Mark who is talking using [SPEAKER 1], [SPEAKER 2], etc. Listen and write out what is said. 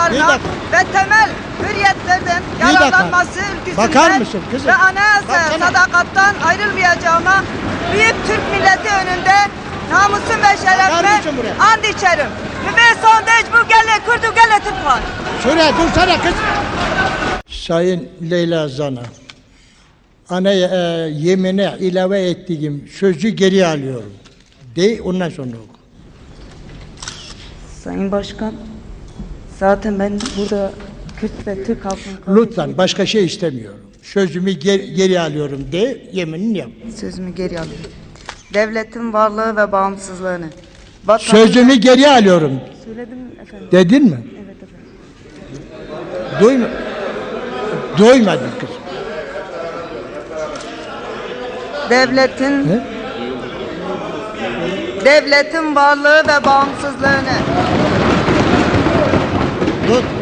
[SPEAKER 1] haklarına ve temel hürriyetlerden yararlanması
[SPEAKER 2] Bakar
[SPEAKER 1] ülküsünden
[SPEAKER 2] mısın kızım?
[SPEAKER 1] ve anayasaya
[SPEAKER 2] Baksana.
[SPEAKER 1] sadakattan ayrılmayacağıma büyük Türk milleti önünde namusum ve
[SPEAKER 2] Bakar
[SPEAKER 1] şerefime
[SPEAKER 2] mısın buraya?
[SPEAKER 1] and içerim. Ve sondaj bu gele kurdu gele Türk var.
[SPEAKER 2] Şuraya dursana kız. Sayın Leyla Zana, yemine ilave ettiğim sözü geri alıyorum. De ondan sonra oku.
[SPEAKER 1] Sayın Başkan, zaten ben burada Kürt ve Türk halkının
[SPEAKER 2] Lütfen başka şey istemiyorum. Sözümü geri alıyorum de yeminini yap.
[SPEAKER 1] sözümü geri alıyorum. Devletin varlığı ve bağımsızlığını.
[SPEAKER 2] Sözümü geri alıyorum.
[SPEAKER 1] Söyledim efendim.
[SPEAKER 2] Dedin mi?
[SPEAKER 1] Evet efendim.
[SPEAKER 2] Doymadın kız.
[SPEAKER 1] Devletin
[SPEAKER 2] He?
[SPEAKER 1] devletin varlığı ve bağımsızlığını.
[SPEAKER 2] Dur.